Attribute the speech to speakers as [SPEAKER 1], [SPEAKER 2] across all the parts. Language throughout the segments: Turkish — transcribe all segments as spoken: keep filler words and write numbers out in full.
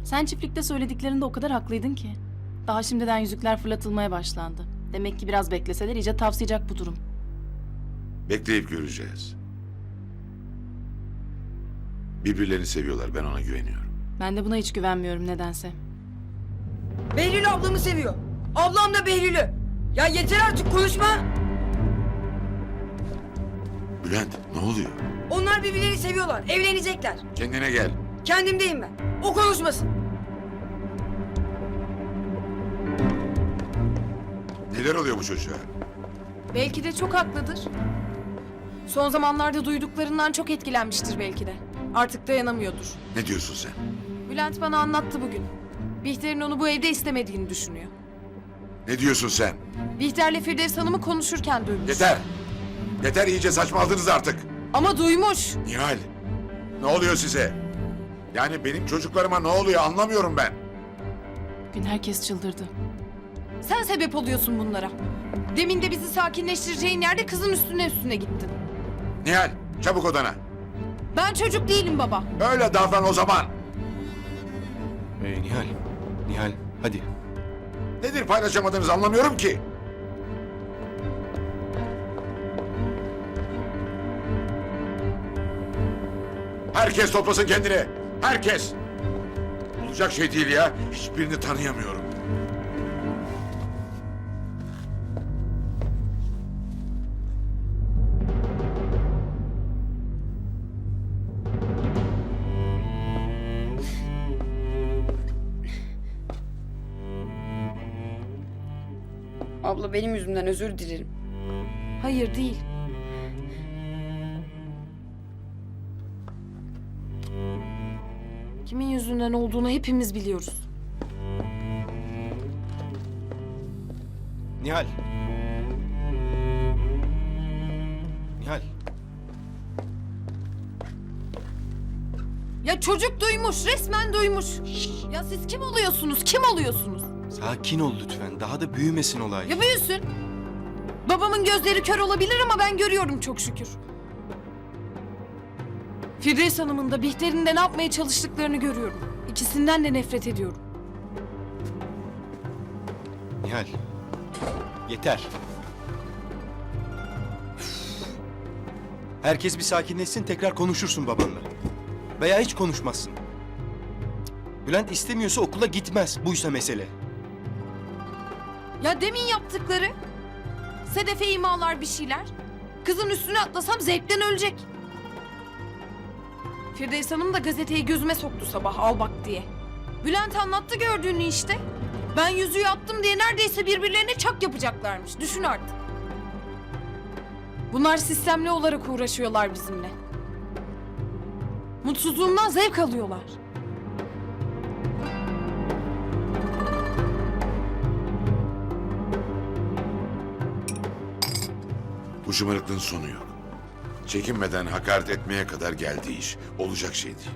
[SPEAKER 1] Sen çiftlikte söylediklerinde o kadar haklıydın ki. Daha şimdiden yüzükler fırlatılmaya başlandı. Demek ki biraz bekleseler iyice tavsayacak bu durum.
[SPEAKER 2] Bekleyip göreceğiz. Birbirlerini seviyorlar, ben ona güveniyorum.
[SPEAKER 1] Ben de buna hiç güvenmiyorum nedense.
[SPEAKER 3] Behlül ablamı seviyor. Ablam da Behlül'ü. Ya yeter artık konuşma.
[SPEAKER 2] Bülent, ne oluyor?
[SPEAKER 3] Onlar birbirlerini seviyorlar. Evlenecekler.
[SPEAKER 2] Kendine gel.
[SPEAKER 3] Kendimdeyim ben. O konuşmasın.
[SPEAKER 2] Neler oluyor bu çocuğa?
[SPEAKER 4] Belki de çok haklıdır. Son zamanlarda duyduklarından çok etkilenmiştir belki de. Artık dayanamıyordur.
[SPEAKER 2] Ne diyorsun sen?
[SPEAKER 4] Bülent bana anlattı bugün. Bihter'in onu bu evde istemediğini düşünüyor.
[SPEAKER 2] Ne diyorsun sen?
[SPEAKER 4] Bihter'le Firdevs Hanım'ı konuşurken duymuş.
[SPEAKER 2] Yeter! Yeter, iyice saçmaladınız artık.
[SPEAKER 4] Ama duymuş.
[SPEAKER 2] Nihal, ne oluyor size? Yani benim çocuklarıma ne oluyor anlamıyorum ben.
[SPEAKER 1] Bugün herkes çıldırdı.
[SPEAKER 4] Sen sebep oluyorsun bunlara. Demin de bizi sakinleştireceğin yerde kızın üstüne üstüne gittin.
[SPEAKER 2] Nihal, çabuk odana.
[SPEAKER 4] Ben çocuk değilim baba.
[SPEAKER 2] Öyle davran o zaman.
[SPEAKER 5] Ee, Nihal, Nihal hadi.
[SPEAKER 2] Nedir paylaşamadığınız anlamıyorum ki. Herkes toplasın kendini. Herkes. Olacak şey değil ya. Hiçbirini tanıyamıyorum.
[SPEAKER 3] Abla benim yüzümden özür dilerim.
[SPEAKER 4] Hayır değil. Kimin yüzünden olduğunu hepimiz biliyoruz.
[SPEAKER 5] Nihal. Nihal.
[SPEAKER 4] Ya çocuk duymuş, resmen duymuş. Ya siz kim oluyorsunuz, kim oluyorsunuz?
[SPEAKER 5] Sakin ol lütfen. Daha da büyümesin olay.
[SPEAKER 4] Ya büyüsün. Babamın gözleri kör olabilir ama ben görüyorum çok şükür. Firdevs Hanım'ın da Bihter'in de ne yapmaya çalıştıklarını görüyorum. İkisinden de nefret ediyorum.
[SPEAKER 5] Nihal. Yeter. Herkes bir sakinleşsin, tekrar konuşursun babanla. Veya hiç konuşmazsın. Bülent istemiyorsa okula gitmez. Buysa mesele.
[SPEAKER 4] Ya demin yaptıkları. Sedef'e imalar bir şeyler. Kızın üstüne atlasam zevkten ölecek. Firdevs Hanım da gazeteyi gözüme soktu sabah al bak diye. Bülent anlattı gördüğünü işte. Ben yüzüğü attım diye neredeyse birbirlerine çak yapacaklarmış. Düşün artık. Bunlar sistemli olarak uğraşıyorlar bizimle. Mutsuzluğumdan zevk alıyorlar.
[SPEAKER 2] Bu şımarıklığın sonu yok. Çekinmeden hakaret etmeye kadar geldi iş. Olacak şey değil.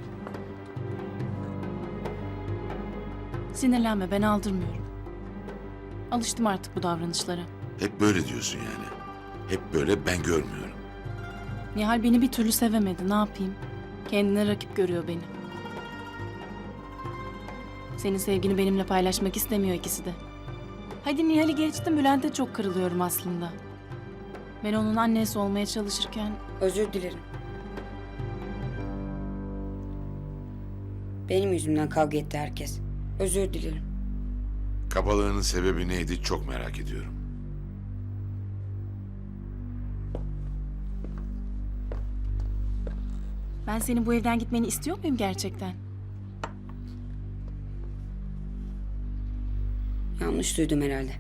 [SPEAKER 1] Sinirlenme, ben aldırmıyorum. Alıştım artık bu davranışlara.
[SPEAKER 2] Hep böyle diyorsun yani. Hep böyle, ben görmüyorum.
[SPEAKER 1] Nihal beni bir türlü sevemedi, ne yapayım? Kendine rakip görüyor beni. Senin sevgini benimle paylaşmak istemiyor ikisi de. Hadi Nihal'i geçtim, Bülent'e çok kırılıyorum aslında. Ben onun annesi olmaya çalışırken...
[SPEAKER 3] Özür dilerim. Benim yüzümden kavga etti herkes. Özür dilerim.
[SPEAKER 2] Kabalığının sebebi neydi çok merak ediyorum.
[SPEAKER 1] Ben senin bu evden gitmeni istiyor muyum gerçekten?
[SPEAKER 3] Yanlış duydum herhalde.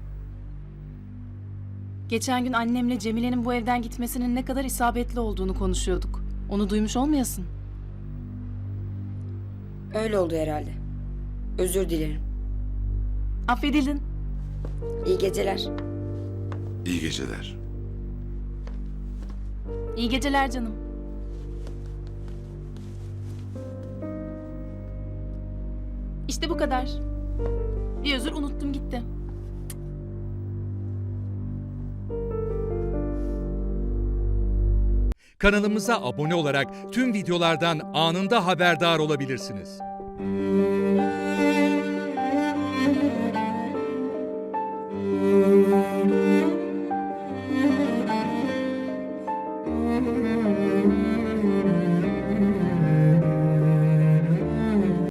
[SPEAKER 1] Geçen gün annemle Cemile'nin bu evden gitmesinin ne kadar isabetli olduğunu konuşuyorduk. Onu duymuş olmayasın.
[SPEAKER 3] Öyle oldu herhalde. Özür dilerim.
[SPEAKER 1] Affedildin.
[SPEAKER 3] İyi geceler.
[SPEAKER 2] İyi geceler.
[SPEAKER 1] İyi geceler canım. İşte bu kadar. Bir özür unuttum gitti.
[SPEAKER 6] Kanalımıza abone olarak tüm videolardan anında haberdar olabilirsiniz.